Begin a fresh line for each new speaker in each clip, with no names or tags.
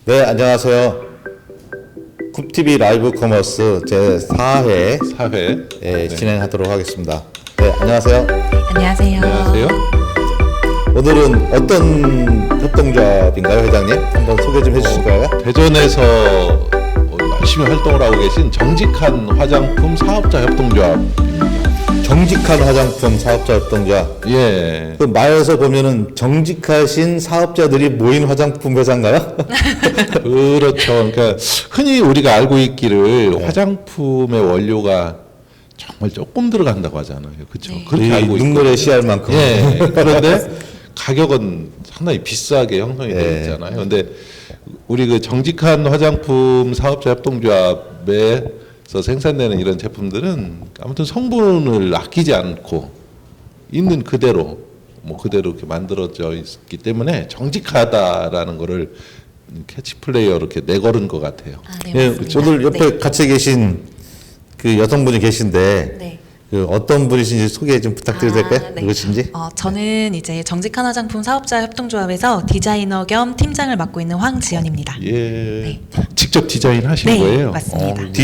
네, 안녕하세요. 쿱TV 라이브 커머스 제4회
네.
진행하도록 하겠습니다. 네, 안녕하세요.
안녕하세요.
안녕하세요.
오늘은 어떤 협동조합인가요, 회장님? 한번 소개 좀 해주실까요?
대전에서 열심히 활동을 하고 계신 정직한 화장품 사업자 협동조합입니다.
정직한 화장품 사업자 협동조합.
예.
그 말에서 보면은 정직하신 사업자들이 모인 화장품 회사인가요?
그렇죠. 그러니까 흔히 우리가 알고 있기를 화장품의 원료가 정말 조금 들어간다고 하잖아요. 그렇죠. 그렇게 알고
눈물의
있거든요.
씨알만큼.
예. 그런데 가격은 상당히 비싸게 형성이 되어 있잖아요. 그런데 우리 그 정직한 화장품 사업자 협동조합에서 생산되는 이런 제품들은 아무튼 성분을 아끼지 않고 있는 그대로 그대로 이렇게 만들어져 있기 때문에 정직하다라는 거를 캐치플레이어 이렇게 내걸은 것 같아요.
네,
예,
맞습니다.
오늘 옆에
네.
같이 계신 그 여성분이 계신데
네.
그 어떤 분이신지 소개 좀 부탁드려도 될까요?
네.
누구신지?
저는 이제 정직한 화장품 사업자 협동조합에서 디자이너 겸 팀장을 맡고 있는 황지연입니다.
예. 직접 디자인하신
네,
거예요?
맞습니다.
네.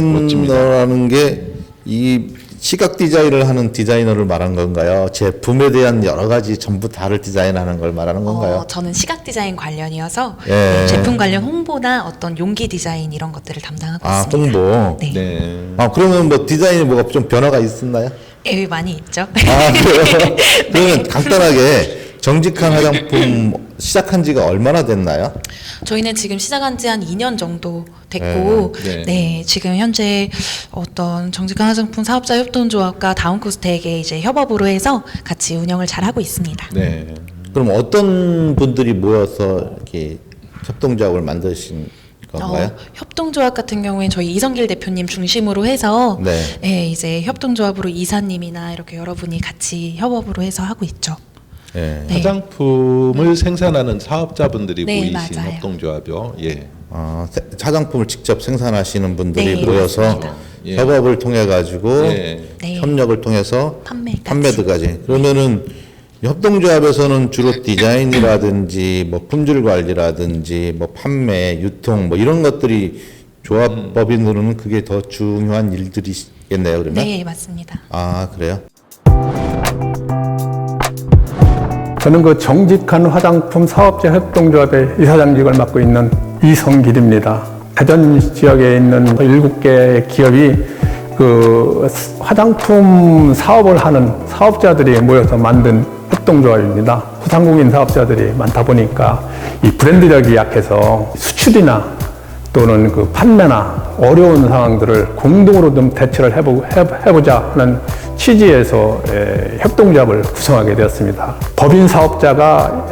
디자이너라는 게 이 시각 디자인을 하는 디자이너를 말하는 건가요? 제품에 대한 여러 가지 전부 다를 디자인하는 걸 말하는 건가요?
저는 시각 디자인 관련이어서
예.
제품 관련 홍보나 어떤 용기 디자인 이런 것들을 담당하고
아,
있습니다.
홍보.
네.
네.
아, 그러면 뭐 디자인이 뭐가 좀 변화가 있었나요?
많이 있죠.
아, 그래요? 그러면 간단하게 정직한 화장품 시작한 지가 얼마나 됐나요?
저희는 지금 시작한 지 한 2년 정도 됐고,
네.
네, 지금 현재 어떤 정직한 화장품 사업자 협동조합과 다운코스텍의 이제 협업으로 해서 같이 운영을 잘 하고 있습니다.
네.
그럼 어떤 분들이 모여서 이렇게 협동조합을 만드신 건가요?
협동조합 같은 경우에 저희 이성길 대표님 중심으로 해서
네.
이제 협동조합으로 이사님이나 이렇게 여러분이 같이 협업으로 해서 하고 있죠.
예.
네.
화장품을 생산하는 사업자분들이
네,
모이신
맞아요.
협동조합이요. 예.
아, 화장품을 직접 생산하시는 분들이
네,
모여서
맞습니다.
예.
협업을 통해 가지고
예.
네.
협력을 통해서
판매까지.
판매드까지. 그러면은 협동조합에서는 주로 디자인이라든지 뭐 품질 관리라든지 뭐 판매, 유통 뭐 이런 것들이 조합법인으로는 그게 더 중요한 일들이겠네요, 그러면?
네, 맞습니다.
아, 그래요?
저는 그 정직한 화장품 사업자 협동조합의 이사장직을 맡고 있는 이성길입니다. 대전 지역에 있는 7개 기업이 그 화장품 사업을 하는 사업자들이 모여서 만든 협동조합입니다. 소상공인 사업자들이 많다 보니까 이 브랜드력이 약해서 수출이나 또는 그 판매나 어려운 상황들을 공동으로 좀 대처를 해보자 하는 취지에서 협동조합을 구성하게 되었습니다. 법인 사업자가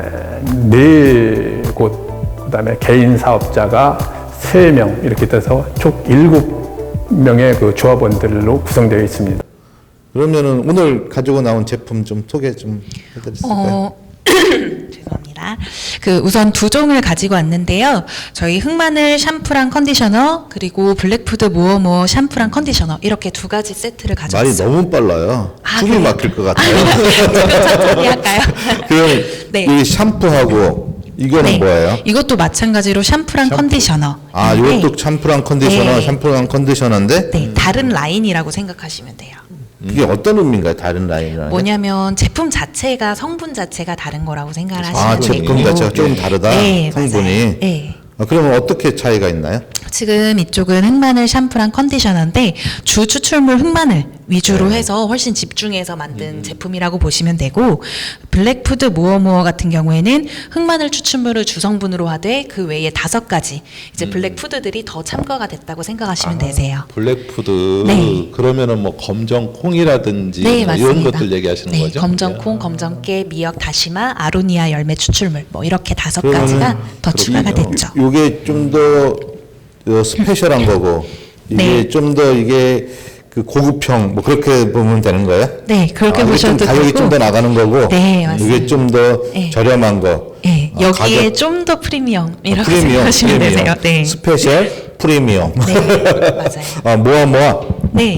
4곳, 그다음에 개인 사업자가 3명 이렇게 돼서 총 7명의 그 조합원들로 구성되어 있습니다.
그러면은 오늘 가지고 나온 제품 좀 소개 좀 해드릴 수 있을까요?
죄송합니다. 그 우선 2종을 가지고 왔는데요. 저희 흑마늘 샴푸랑 컨디셔너 그리고 블랙푸드 모어모어 샴푸랑 컨디셔너 이렇게 2가지 세트를
말이
가져왔어요.
너무 빨라요. 숨이
그래요?
막힐 것 같아요.
천천히 할까요?
그럼
네.
이 샴푸하고 이거는 뭐예요?
이것도 마찬가지로 샴푸랑 컨디셔너.
아, 이것도 샴푸랑 컨디셔너,
네.
샴푸랑 컨디셔너인데
네, 다른 라인이라고 생각하시면 돼요.
그게 어떤 의미인가요? 다른 라인이라는 게?
뭐냐면 제품 자체가 성분 자체가 다른 거라고 생각을 하시면
아,
되고.
제품 자체가 조금 다르다.
네,
성분이.
맞아요. 네.
아, 그러면 어떻게 차이가 있나요?
지금 이쪽은 흑마늘 샴푸랑 컨디셔너인데 주 추출물 흑마늘 위주로 해서 훨씬 집중해서 만든 제품이라고 보시면 되고, 블랙푸드 모어모어 같은 경우에는 흑마늘 추출물을 주성분으로 하되 그 외에 5가지 이제 블랙푸드들이 더 첨가가 됐다고 생각하시면 되세요.
블랙푸드
네.
그러면은 뭐 검정콩이라든지
네,
뭐 이런
맞습니다.
것들 얘기하시는
네,
거죠?
검정콩, 검정깨, 미역, 다시마, 아로니아 열매 추출물 뭐 이렇게 5가지가
그러면은
더 추가가
그렇군요.
됐죠.
이게 좀 더 스페셜한 거고 이게
네.
좀 더 이게 그 고급형 뭐 그렇게 보면 되는 거예요?
네, 그렇게
이게 좀
보셔도
가격이
되고.
좀 더 나가는 거고
네, 맞습니다.
이게 좀 더
네.
저렴한 거.
네,
아,
여기에
가격-
좀 더 프리미엄 이렇게
프리미엄,
생각하시면
프리미엄.
되세요. 네,
스페셜 프리미엄.
네, 맞아요.
아, 모아.
네,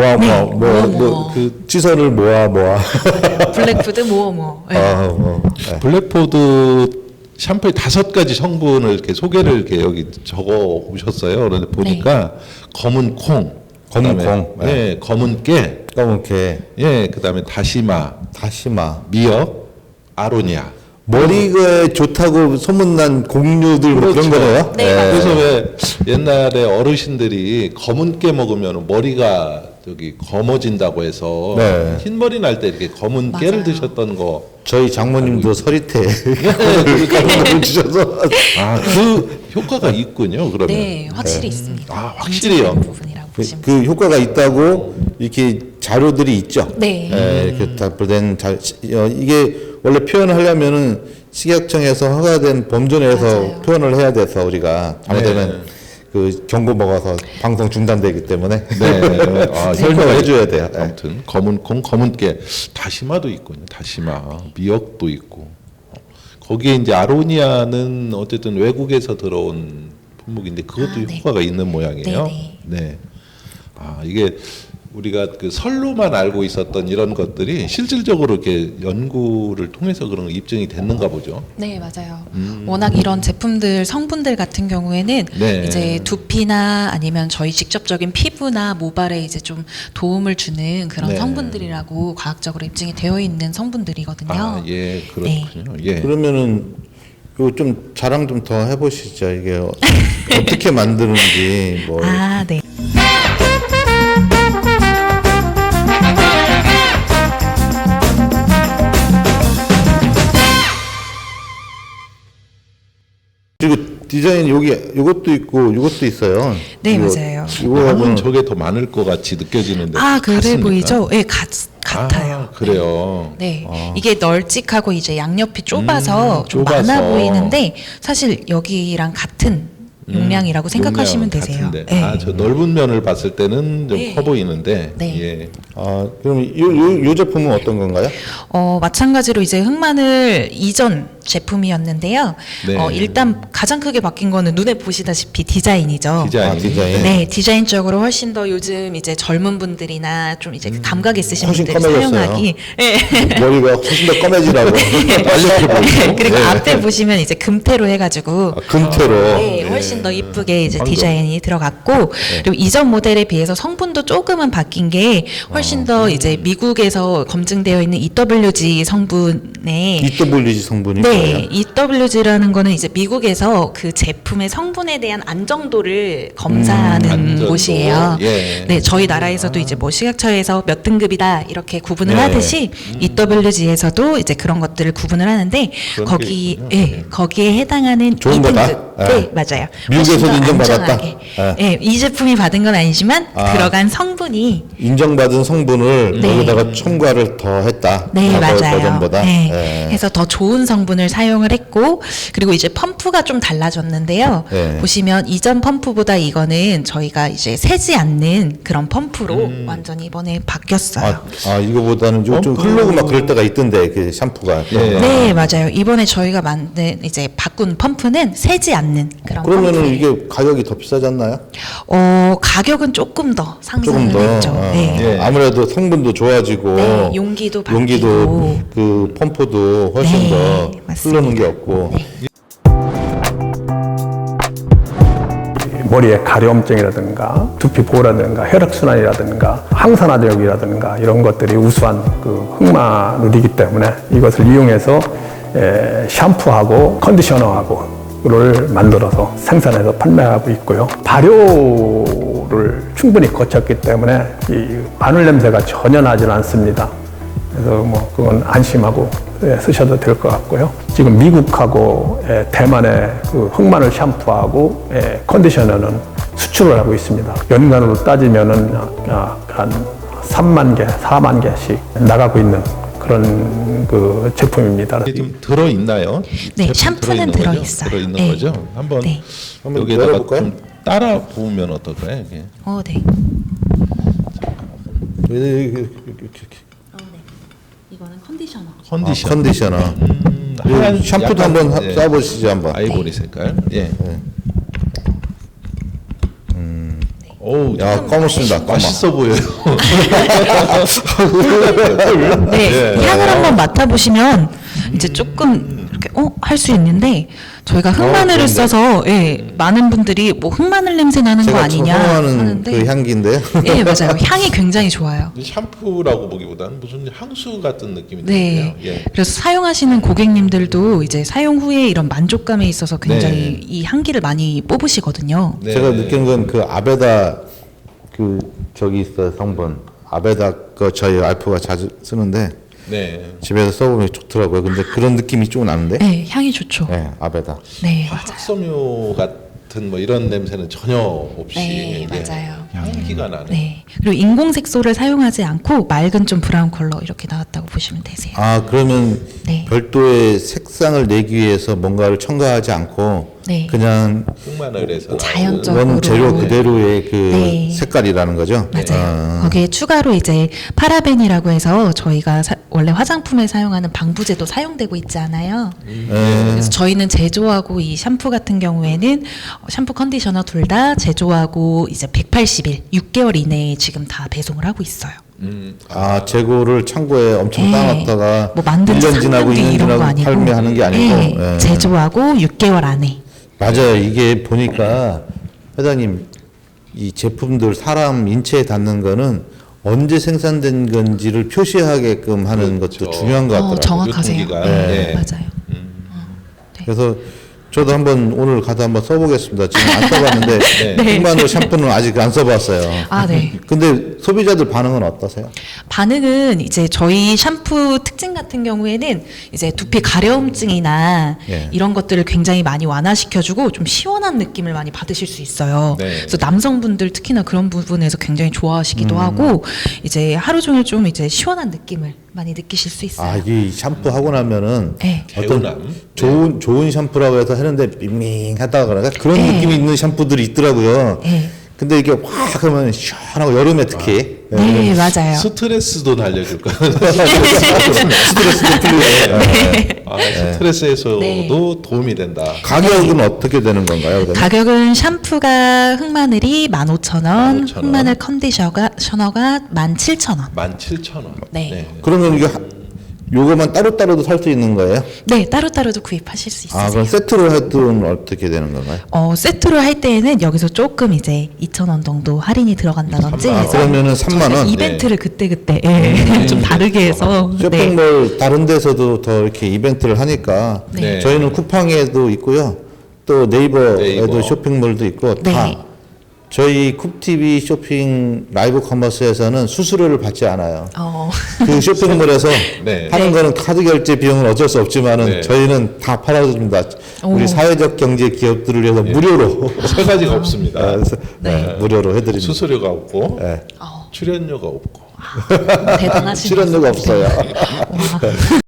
그 찌설을 모아.
블랙푸드 모어모어. 네.
아, 뭐.
블랙푸드 샴푸의 5가지 성분을 이렇게 소개를 이렇게 여기 적어 오셨어요. 그런데 보니까 검은 콩,
검은
그다음에,
콩,
예, 검은 깨,
검은게,
예, 그다음에 다시마,
다시마.
미역, 아로니아.
머리가 좋다고 소문난 곡류들 뭐 그런
그렇죠.
거네요.
네, 맞아요.
그래서 왜 옛날에 어르신들이 검은 깨 먹으면 머리가 저기 검어진다고 해서
네.
흰머리 날 때 이렇게 검은
맞아요.
깨를 드셨던 거.
저희 장모님도 서리태
네.
그런 걸 주셔서
아, 그 효과가 있군요. 그러면.
네, 확실히 있습니다.
아, 확실히요?
인지되는 부분이라고 보시면
그 효과가 있다고 이렇게 자료들이 있죠.
네.
이렇게 답변된 이게 원래 표현을 하려면은 식약청에서 허가된 범주 내에서
맞아요.
표현을 해야 돼서 우리가 잘못되면 그 경고 먹어서 방송 중단되기 때문에
네. 아,
설명을 해줘야 돼요. 네.
아무튼 검은 콩, 검은 깨, 다시마도 있군요. 다시마, 미역도 있고. 거기에 이제 아로니아는 어쨌든 외국에서 들어온 품목인데 그것도
아, 네.
효과가 있는 모양이에요.
네,
네. 아, 이게 우리가 그 설로만 알고 있었던 이런 것들이 실질적으로 이렇게 연구를 통해서 그런 거 입증이 됐는가 보죠.
네, 맞아요. 워낙 이런 제품들 성분들 같은 경우에는
네.
이제 두피나 아니면 저희 직접적인 피부나 모발에 이제 좀 도움을 주는 그런
네.
성분들이라고 과학적으로 입증이 되어 있는 성분들이거든요.
아, 예, 그렇군요. 예.
그러면은 이거 좀 자랑 좀 더 해보시죠. 이게 어떻게 만드는지 뭐.
아, 네.
그리고 디자인 여기 이것도 있고 이것도 있어요.
네,
이거-
맞아요.
이거는
이거는
저게 더 많을 것 같이 느껴지는데.
아, 그래
같습니까?
보이죠? 네, 같아요.
아, 그래요.
네, 이게 널찍하고 이제 양옆이 좁아서 좀
좁아서.
많아 보이는데 사실 여기랑 같은 용량이라고 생각하시면
용량은
되세요.
같은데.
네.
아, 저 넓은 면을 봤을 때는 좀
네.
커 보이는데.
네.
예.
그럼 요 제품은 어떤 건가요?
마찬가지로 이제 흑마늘 이전 제품이었는데요.
네.
일단 가장 크게 바뀐 거는 눈에 보시다시피 디자인이죠.
디자인.
디자인.
네, 디자인적으로 훨씬 더 요즘 이제 젊은 분들이나 좀 이제 감각 있으신
훨씬
분들이
커매졌어요.
사용하기. 네.
머리가 훨씬 더 검해지라고.
빨갛게 보이고.
그리고
네.
앞에 보시면 이제 금태로 해가지고
금태로.
네, 훨씬 더 이쁘게 이제
방금.
디자인이 들어갔고 그리고 이전 모델에 비해서 성분도 조금은 바뀐 게 훨씬 더 이제 미국에서 검증되어 있는 EWG 성분에
EWG 성분이
네,
뭐예요?
EWG라는 거는 이제 미국에서 그 제품의 성분에 대한 안정도를 검사하는
안정도.
곳이에요.
예.
네, 저희 나라에서도 이제 뭐 식약처에서 몇 등급이다 이렇게 구분을
네.
하듯이 EWG에서도 이제 그런 것들을 구분을 하는데
그런 게
거기
있군요.
예, 거기에 해당하는
좋은
2등급.
거다?
네, 맞아요.
미국에서도
훨씬 더
인정받았다?
안전하게.
예.
예, 이 제품이 받은 건 아니지만 들어간 성분이
인정받은 성분을
네.
거기다가 첨가를 더 했다.
네,
과거
맞아요.
버전보다.
네.
예.
그래서 더 좋은 성분을 사용을 했고, 그리고 이제 펌프가 좀 달라졌는데요.
네.
보시면 이전 펌프보다 이거는 저희가 이제 새지 않는 그런 펌프로 완전히 이번에 바뀌었어요.
이거보다는 좀 흐르고 막 그럴 때가 있던데 그 샴푸가.
예.
네, 맞아요. 이번에 저희가 만든 이제 바꾼 펌프는 새지 않는 그런
그러면은
펌프.
이게 가격이 더 비싸지 않나요?
가격은 조금 더
조금
상승을
더.
했죠. 네.
예.
아무래도 성분도 좋아지고.
네, 용기도 바뀌고.
용기도 그 펌프도 훨씬
네,
더
맞습니다.
흐르는 게 없고.
머리에 가려움증이라든가 두피 보호라든가 혈액순환이라든가 항산화력이라든가 이런 것들이 우수한 그 흑마늘이기 때문에 이것을 이용해서 샴푸하고 컨디셔너하고를 만들어서 생산해서 판매하고 있고요. 발효를 충분히 거쳤기 때문에 이 마늘 냄새가 전혀 나질 않습니다. 그래서 뭐 그건 안심하고 쓰셔도 될 것 같고요. 지금 미국하고 대만의 그 흑마늘 샴푸하고 컨디셔너는 수출을 하고 있습니다. 연간으로 따지면은 한 3만 개, 4만 개씩 나가고 있는 그런 그 제품입니다.
이게 좀 들어 있나요?
네, 샴푸는 들어 있어요.
들어 있는
네.
거죠? 한번
네.
한번
여기다가
열어볼까요?
좀 따라 보면 어떨까요? 이게?
네.
이렇게.
이거는 컨디셔너.
컨디션.
컨디셔너.
하얀
샴푸도
약간,
한번
예.
쏴보시죠 한번.
아이보리 색깔. 예. 오,
야 검었습니다. 검어.
맛있어 보여요.
네, 향을 한번 맡아보시면 이제 조금 이렇게 할 수 있는데 저희가 흑마늘을
그런데?
써서 많은 분들이 뭐 흑마늘 냄새 나는 거
제가
아니냐
좋아하는
하는데
그 향기인데요.
예, 맞아요. 향이 굉장히 좋아요.
샴푸라고 보기보다는 무슨 향수 같은 느낌이
네.
드네요. 예.
그래서 사용하시는 고객님들도 이제 사용 후에 이런 만족감에 있어서 굉장히
네.
이 향기를 많이 뽑으시거든요.
네.
제가 느낀 건 그 아베다 그 저기 있어요 성분 아베다 거 저희 와이프가 자주 쓰는데
네.
집에서 써보면 좋더라고요. 근데 그런 느낌이 좀 나는데.
네, 향이 좋죠.
네, 아베다.
네, 맞아요.
화학섬유 같은 뭐 이런 냄새는 전혀 없이
네,
예,
맞아요.
향기가 나는.
네. 그리고 인공 색소를 사용하지 않고 맑은 좀 브라운 컬러 이렇게 나왔다고 보시면 되세요.
아 그러면
네.
별도의 색상을 내기 위해서 뭔가를 첨가하지 않고
네.
그냥
흑마늘에서
자연적으로.
원 재료 그대로의 그
네.
색깔이라는 거죠.
맞아요. 거기에 추가로 이제 파라벤이라고 해서 저희가 원래 화장품에 사용하는 방부제도 사용되고 있지 않아요. 그래서 저희는 제조하고 이 샴푸 같은 경우에는 샴푸 컨디셔너 둘 다 제조하고 이제 180일, 6개월 이내에 지금 다 배송을 하고 있어요.
아 재고를 창고에 엄청
네.
쌓아놨다가
뭐 만든 지
1년 지나고
3년 뒤
2년
이런 거
지나고
아니고
판매하는 게 아니고
네,
예.
제조하고 6개월 안에.
맞아요. 이게 보니까 회장님 이 제품들 사람 인체에 닿는 거는 언제 생산된 건지를 표시하게끔 하는
그렇죠.
것도 중요한 것 같더라고요.
정확하세요.
유통기간.
네,
네.
맞아요.
그래서 저도 한번 오늘 가서 한번 써보겠습니다. 지금 안 써봤는데
네.
흑마늘 샴푸는 아직 안 써봤어요.
아, 네.
근데 소비자들 반응은 어떠세요?
반응은 이제 저희 샴푸 특징 같은 경우에는 이제 두피 가려움증이나
예.
이런 것들을 굉장히 많이 완화시켜주고 좀 시원한 느낌을 많이 받으실 수 있어요.
네.
그래서 남성분들 특히나 그런 부분에서 굉장히 좋아하시기도 하고 이제 하루 종일 좀 이제 시원한 느낌을 많이 느끼실 수 있어요.
아, 이 샴푸 하고 나면은
네.
어떤
개운함.
좋은 샴푸라고 해서 하는데 밍밍하다 그러나 그런
네.
느낌이 있는 샴푸들이 있더라고요.
네.
근데 이게 확 하면 시원하고 여름에 특히
네, 맞아요.
스트레스도 날려줄까?
스트레스도 풀리고
스트레스 해소도
네.
도움이 된다.
가격은 어떻게 되는 건가요? 그러면?
가격은 샴푸가 흑마늘이 15,000원,
15,000원.
흑마늘 컨디셔너가 17,000원.
17,000원.
네.
그러면 이게 요거만 따로따로도 살 수 있는 거예요?
네, 따로따로도 구입하실 수 있으세요.
아, 그럼 세트로 해도 어떻게 되는 건가요?
세트로 할 때에는 여기서 조금 이제 2,000원 정도 할인이 들어간다든지
아,
해서
그러면은 3만
저희가
원?
이벤트를 그때그때 좀 다르게 해서 네.
쇼핑몰 다른 데서도 더 이렇게 이벤트를 하니까
네.
저희는 쿠팡에도 있고요. 또 네이버에도
네이버.
쇼핑몰도 있고
네.
다 저희 쿱TV 쇼핑 라이브 커머스에서는 수수료를 받지 않아요. 그 쇼핑몰에서
네.
하는
네.
거는 카드 결제 비용은 어쩔 수 없지만은
네.
저희는 다 팔아줍니다. 우리
오.
사회적 경제 기업들을 위해서 무료로
세 가지가 없습니다.
그래서 무료로 해드립니다.
수수료가 없고
네.
출연료가 없고.
대단하시네요.
출연료가 없어요.
와.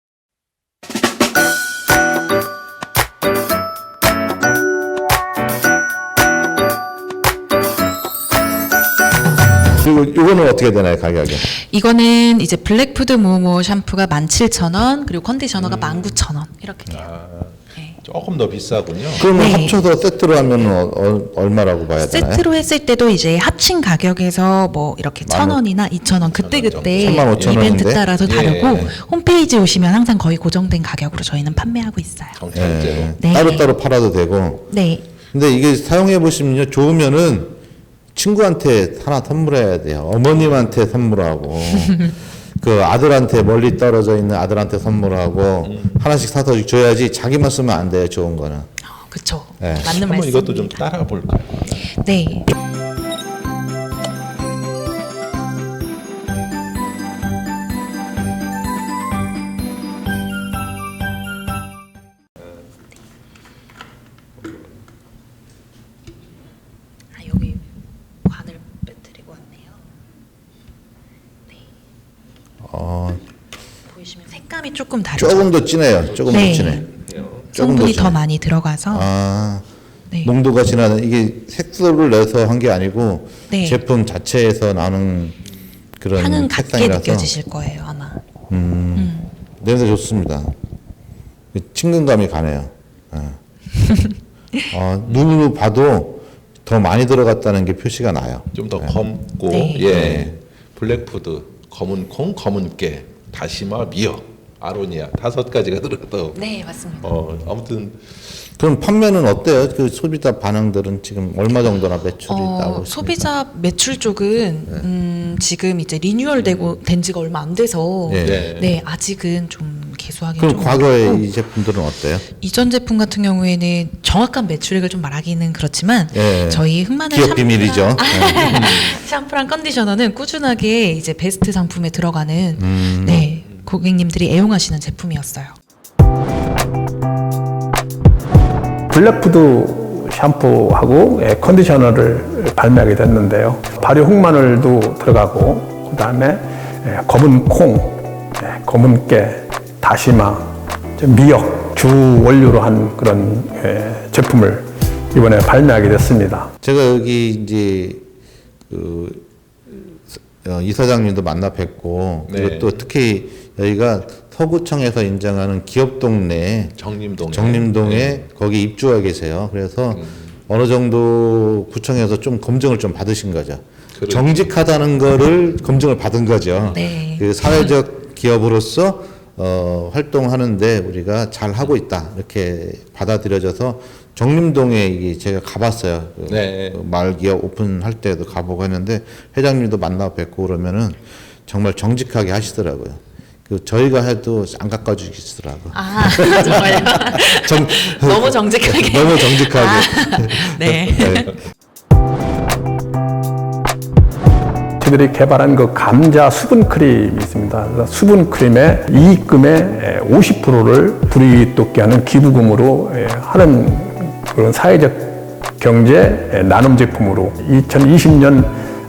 그리고 이거는 어떻게 되나요 가격이?
이거는 이제 블랙푸드 모모 샴푸가 17,000원, 그리고 컨디셔너가 19,000원 이렇게 돼요. 네.
조금 더 비싸군요.
그러면
네.
합쳐서 세트로 하면 얼마라고 봐야 되나요?
세트로 했을 때도 이제 합친 가격에서 뭐 이렇게 1,000원이나 2,000원 그때
35,000원
이벤트
인데?
따라서 다르고
예.
홈페이지 오시면 항상 거의 고정된 가격으로 저희는 판매하고 있어요.
정찰제로.
네.
따로따로 팔아도 되고.
네.
근데 이게 사용해 보시면요. 좋으면은 친구한테 하나 선물해야 돼요. 어머님한테 선물하고. 그 아들한테 멀리 떨어져 있는 아들한테 선물하고 하나씩 사서 줘야지 자기만 쓰면 안 돼요. 좋은 거는.
그쵸.
네.
맞는
한번
말씀입니다.
이것도 좀 따라 볼까요?
네. 여기 관을 빼뜨리고 왔네요. 네. 보이시면 색감이 조금 다르죠.
조금 더 진해요. 조금
네.
더 진해.
성분이
진해.
더 많이 들어가서
아.
네.
농도가 진하는 이게 색소를 내서 한 게 아니고
네.
제품 자체에서 나는 그런
향은 같게
색상이라서
느껴지실 거예요 아마.
냄새 좋습니다. 친근감이 가네요. 눈으로 봐도 더 많이 들어갔다는 게 표시가 나요.
좀 더 검고
네.
예 블랙푸드 검은 콩 검은 깨 다시마 미역 아로니아 5가지가 들어가도
네, 맞습니다.
아무튼
그럼 판매는 어때요? 그 소비자 반응들은 지금 얼마 정도나 매출이 나오고 있습니까?
소비자 매출 쪽은 지금 이제 리뉴얼되고 된 지가 얼마 안 돼서
네.
네, 아직은 좀 개수하기
그럼
좀
과거에
어렵고,
이 제품들은 어때요?
이전 제품 같은 경우에는 정확한 매출액을 좀 말하기는 그렇지만
예.
저희 흑마늘
기업 비밀이죠.
샴푸랑 컨디셔너는 꾸준하게 이제 베스트 상품에 들어가는 네, 고객님들이 애용하시는 제품이었어요.
블랙푸드 샴푸하고 컨디셔너를 발매하게 됐는데요. 발효 흑마늘도 들어가고 그다음에 검은 콩, 검은 깨, 다시마, 미역 주 원료로 한 그런 제품을 이번에 발매하게 됐습니다.
제가 여기 이제 그 이사장님도 만나 뵙고
네.
그리고 또 특히 여기가 서구청에서 인정하는 기업 동네 정림동에 거기 입주하 계세요. 그래서 어느 정도 구청에서 좀 검증을 좀 받으신 거죠.
그렇죠.
정직하다는 거를 검증을 받은 거죠.
네.
그 사회적 기업으로서 활동하는데 우리가 잘 하고 있다 이렇게 받아들여져서 정림동에 이게 제가 가봤어요. 그
네.
마을 기업 오픈할 때도 가보고 했는데 회장님도 만나 뵙고 그러면은 정말 정직하게 하시더라고요. 그 저희가 해도 안 깎아주시더라고.
아, 정말요? 너무 정직하게.
너무 정직하게.
네.
네.
저희들이 개발한 그 감자 수분 크림이 있습니다. 그래서 수분 크림의 이익금의 50%를 불이익 돋게 하는 기부금으로 하는 그런 사회적 경제 나눔 제품으로 2020년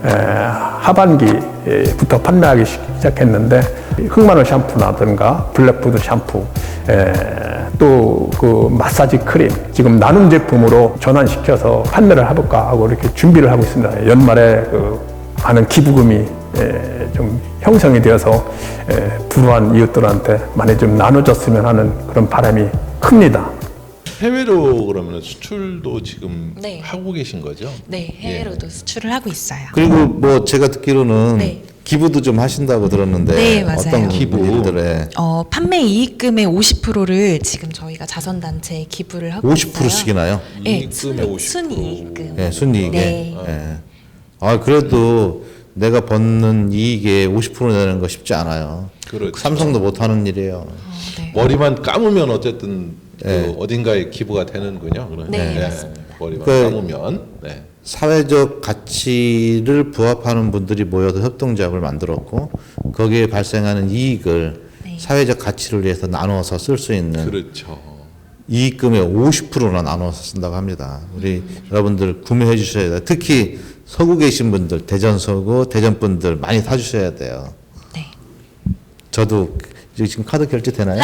하반기부터 판매하기 시작했는데 흑마늘 샴푸라든가 블랙푸드 샴푸 또 그 마사지 크림 지금 나눔 제품으로 전환시켜서 판매를 해볼까 하고 이렇게 준비를 하고 있습니다. 연말에 그 많은 기부금이 좀 형성이 되어서 불우한 이웃들한테 많이 좀 나눠줬으면 하는 그런 바람이 큽니다.
해외로 그러면 수출도 지금
네.
하고 계신 거죠?
네, 해외로도 수출을 하고 있어요.
그리고 뭐 제가 듣기로는
네.
기부도 좀 하신다고 들었는데
네, 맞아요.
어떤
기부?
일들에
판매 이익금의 50%를 지금 저희가 자선단체에 기부를 하고 있어요.
50%씩이나요?
네,
이익금의 50%.
순이익금.
네, 순이익에.
네.
예. 아, 그래도 내가 버는 이익에 50% 내는 거 쉽지 않아요.
그렇죠.
삼성도 못 하는 일이에요.
네.
머리만 감으면 어쨌든 그 어딘가에 기부가 되는군요. 그러면.
네, 맞습니다.
머리만
그-
감으면. 네.
사회적 가치를 부합하는 분들이 모여서 협동조합을 만들었고 거기에 발생하는 이익을
네.
사회적 가치를 위해서 나눠서 쓸 수 있는
그렇죠.
이익금의 50%나 나눠서 쓴다고 합니다. 우리 여러분들 구매해 주셔야 돼요. 특히 서구 계신 분들, 대전 서구, 대전 분들 많이 사주셔야 돼요.
네.
저도 지금 카드 결제 되나요?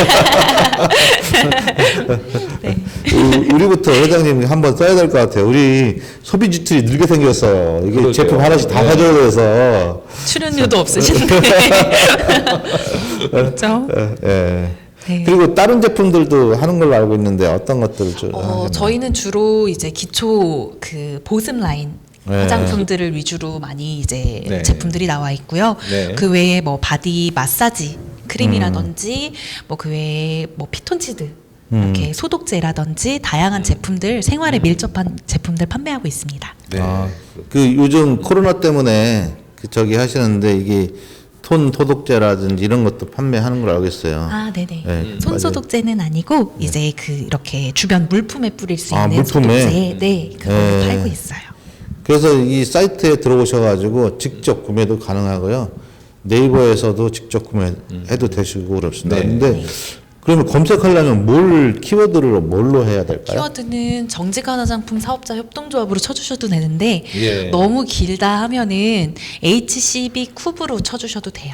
우리부터 회장님 한번 써야 될 것 같아요. 우리 소비 지출이 늘게 생겼어요. 이게
그러게요.
제품 하나씩 다
네.
사줘야 돼서.
출연료도 없으신데. 그렇죠?
예.
네.
그리고 다른 제품들도 하는 걸로 알고 있는데 어떤 것들을 좀 하시나요?
저희는 주로 이제 기초 그 보습 라인
네.
화장품들을 위주로 많이 이제
네.
제품들이 나와 있고요.
네.
그 외에 뭐 바디 마사지 크림이라든지 뭐 그 외에 뭐 피톤치드 이렇게 소독제라든지 다양한 제품들 생활에 밀접한 제품들 판매하고 있습니다.
네.
아, 그 요즘 코로나 때문에 그 저기 하시는데 이게 손 소독제라든지 이런 것도 판매하는 걸 알고 있어요.
아, 네네.
네,
손 소독제는 아니고 이제 그 이렇게 주변 물품에 뿌릴 수
아,
있는
물품에?
소독제, 네, 그걸
네.
팔고 있어요.
그래서 이 사이트에 들어오셔가지고 직접 구매도 가능하고요. 네이버에서도 직접 구매해도 되시고 그렇습니다.
네.
근데 그러면 검색하려면 뭘 키워드를 뭘로 해야 될까요?
키워드는 정직한 화장품 사업자 협동조합으로 쳐주셔도 되는데
예.
너무 길다 하면은 HCB 쿱으로 쳐주셔도 돼요.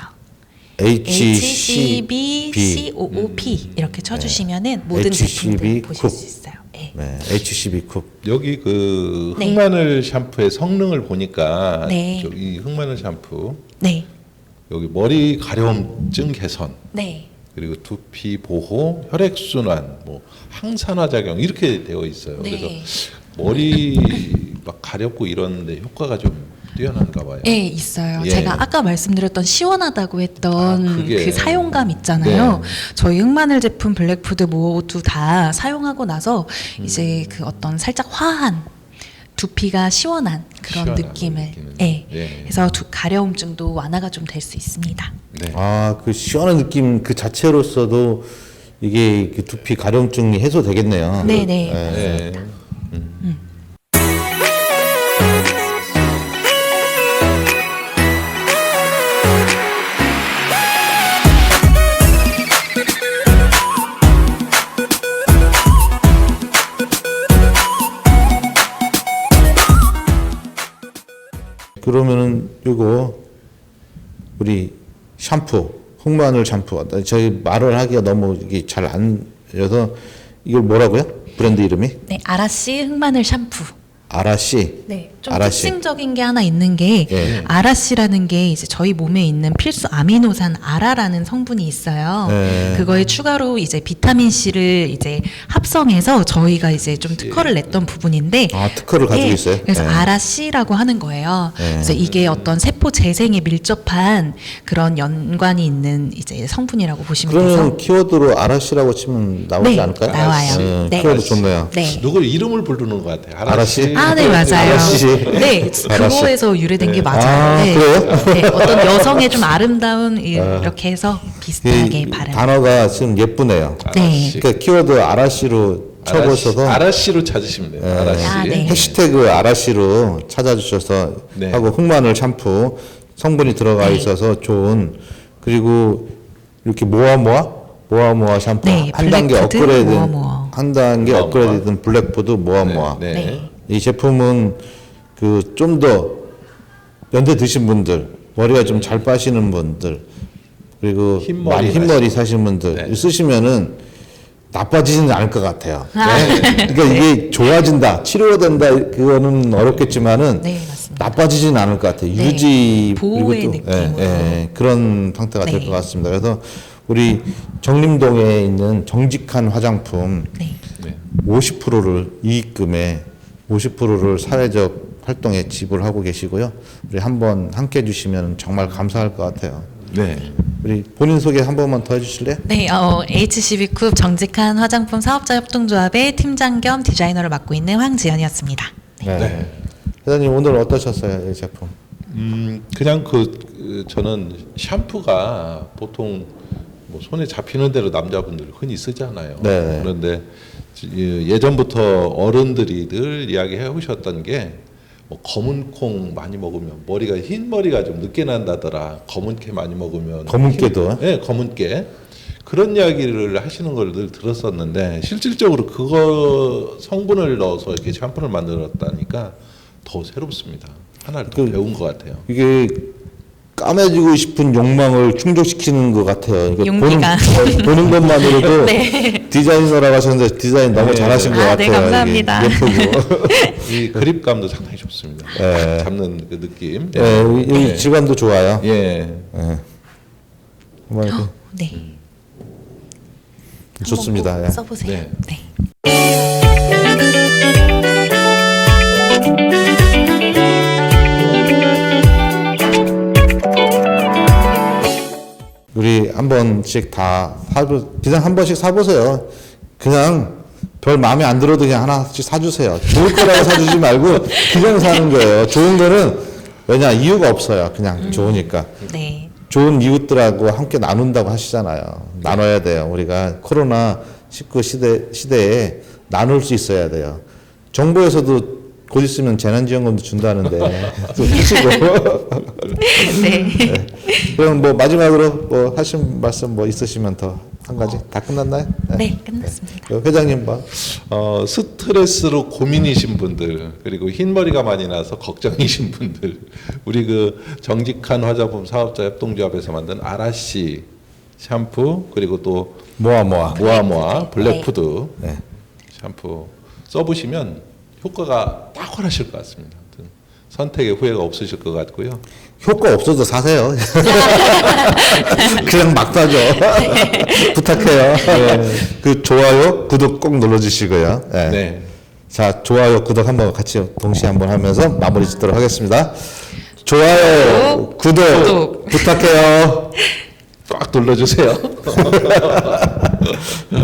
HCB COOP 이렇게 쳐주시면은 모든
HCB
제품들 보실
쿱.
수 있어요. 네.
네, HCB 쿱.
여기 그
네.
흑마늘 샴푸의 성능을 보니까
네.
이 흑마늘 샴푸
네,
여기 머리 가려움증 개선
네,
그리고 두피 보호, 혈액 순환, 뭐 항산화 작용 이렇게 되어 있어요.
네.
그래서 머리 막 가렵고 이러는데 효과가 좀 뛰어난가 봐요.
네, 있어요.
예.
제가 아까 말씀드렸던 시원하다고 했던
그게.
그 사용감 있잖아요.
네.
저희 흑마늘 제품 블랙푸드 모두 다 사용하고 나서 이제 그 어떤 살짝 화한 두피가 시원한 그런
시원한
느낌을
느끼는.
예.
예.
그래서 가려움증도 완화가 좀 될 수 있습니다.
네.
아, 그 시원한 느낌 그 자체로서도 이게 그 두피 가려움증이 해소되겠네요.
네네.
네.
그러면은 요거 우리 샴푸, 흑마늘 샴푸. 저희 말을 하기가 너무 이게 잘 안 돼서 이걸 뭐라고요? 브랜드 이름이?
네, 아라씨 흑마늘 샴푸.
아라씨.
네, 좀
아라씨.
특징적인 게 하나 있는 게
예.
아라씨라는 게 이제 저희 몸에 있는 필수 아미노산 아라라는 성분이 있어요.
예.
그거에 추가로 이제 비타민 C를 이제 합성해서 저희가 이제 좀 특허를 냈던 부분인데
아, 특허를 가지고
예,
있어요?
그래서
예.
아라씨라고 하는 거예요. 그래서 이게 어떤 세포 재생에 밀접한 그런 연관이 있는 이제 성분이라고 보시면 돼서
그러면 키워드로 아라씨라고 치면 나오지
네,
않을까요?
나와요.
예,
네.
키워드 좋네요.
네.
누굴 이름을 부르는 것 같아요.
아라씨?
아, 네, 맞아요.
아라씨.
네,
아라씨.
그거에서 유래된 게 맞아요.
아,
네.
그래요?
네, 어떤 여성의 좀 아름다운 이렇게 해서 비슷하게
이
발음.
단어가 지금 예쁘네요.
네.
그러니까 키워드 아라씨로 쳐보셔서
아라씨로 찾으시면 돼요. 아라씨.
아, 네.
해시태그 아라씨로 찾아주셔서
네.
하고 흑마늘 샴푸 성분이 들어가
네.
있어서 좋은 그리고 이렇게 모아모아 샴푸
네,
한 단계
블랙푸드
업그레이드
모아모아.
한 단계
모아모아.
업그레이드된 블랙푸드 모아모아
네.
네.
이 제품은 그 좀 더 연세 드신 분들 머리가 좀 잘 빠시는 분들 그리고
흰머리
많이 흰머리 사시는 분들
네.
쓰시면은 나빠지지는 않을 것 같아요. 그러니까 이게 좋아진다, 치료된다 그거는 어렵겠지만은
네, 맞습니다.
나빠지지는 않을 것 같아요.
네.
유지
보호의
그리고 또
느낌으로.
그런 형태가 될
네.
것 같습니다. 그래서 우리 정림동에 있는 정직한 화장품
네.
네.
50%를 이익금에 50%를 사회적 활동에 지불하고 계시고요. 우리 한번 함께 해주시면 정말 감사할 것 같아요.
네.
우리 본인 소개 한 번만 더 해주실래요?
네, HCB쿱 정직한 화장품 사업자 협동조합의 팀장 겸 디자이너를 맡고 있는 황지연이었습니다.
네. 회장님 오늘 어떠셨어요, 이 제품?
그냥 저는 샴푸가 보통 뭐 손에 잡히는 대로 남자분들 흔히 쓰잖아요.
네.
그런데 예전부터 어른들이 늘 이야기해 오셨던 게 뭐 검은 콩 많이 먹으면 머리가 흰 머리가 좀 늦게 난다더라. 검은 깨 많이 먹으면
검은 깨도?
네, 검은 깨 그런 이야기를 하시는 걸 늘 들었었는데 실질적으로 그거 성분을 넣어서 이렇게 샴푸를 만들었다니까 더 새롭습니다. 하나를 더 배운 것 같아요.
이게 까매지고 싶은 욕망을 충족시키는 것 같아요. 이게
용기가.
보는 것만으로도
네.
디자이너라고 하셨는데 디자인 너무
네.
잘하신 것
아, 네,
같아요.
감사합니다.
이게 예쁘고.
이 그립감도 상당히 좋습니다.
네.
잡는 그 느낌.
이 질감도 좋아요.
예.
정말 이렇게
네.
좋습니다.
한번
예.
꼭 써보세요.
네.
네.
우리 한 번씩 다 그냥 한 번씩 사보세요. 그냥 별 마음에 안 들어도 그냥 하나씩 사주세요. 좋을 거라고 사주지 말고 그냥 사는 거예요. 좋은 거는 왜냐 이유가 없어요. 그냥 좋으니까.
네.
좋은 이웃들하고 함께 나눈다고 하시잖아요. 나눠야 돼요. 우리가 코로나 19 시대에 나눌 수 있어야 돼요. 정부에서도 곧 있으면 재난지원금도 준다는데 좀 하시고.
네.
그럼 뭐 마지막으로 뭐 하신 말씀 뭐 있으시면 더 한 가지 다 끝났나요?
네, 끝났습니다.
회장님 뭐
스트레스로 고민이신 분들 그리고 흰머리가 많이 나서 걱정이신 분들 우리 그 정직한 화장품 사업자 협동조합에서 만든 아라씨 샴푸 그리고 또
모아
모아모아 블랙푸드
네.
샴푸 써보시면 효과가 탁월하실 것 같습니다. 아무튼 선택에 후회가 없으실 것 같고요.
효과 없어도 사세요. 그냥 막 사죠. 부탁해요. 그 좋아요, 구독 꼭 눌러주시고요. 네.
네.
자, 좋아요, 구독 한번 같이 동시에 한번 하면서 마무리 짓도록 하겠습니다. 좋아요, 구독 부탁해요.
꽉 눌러주세요.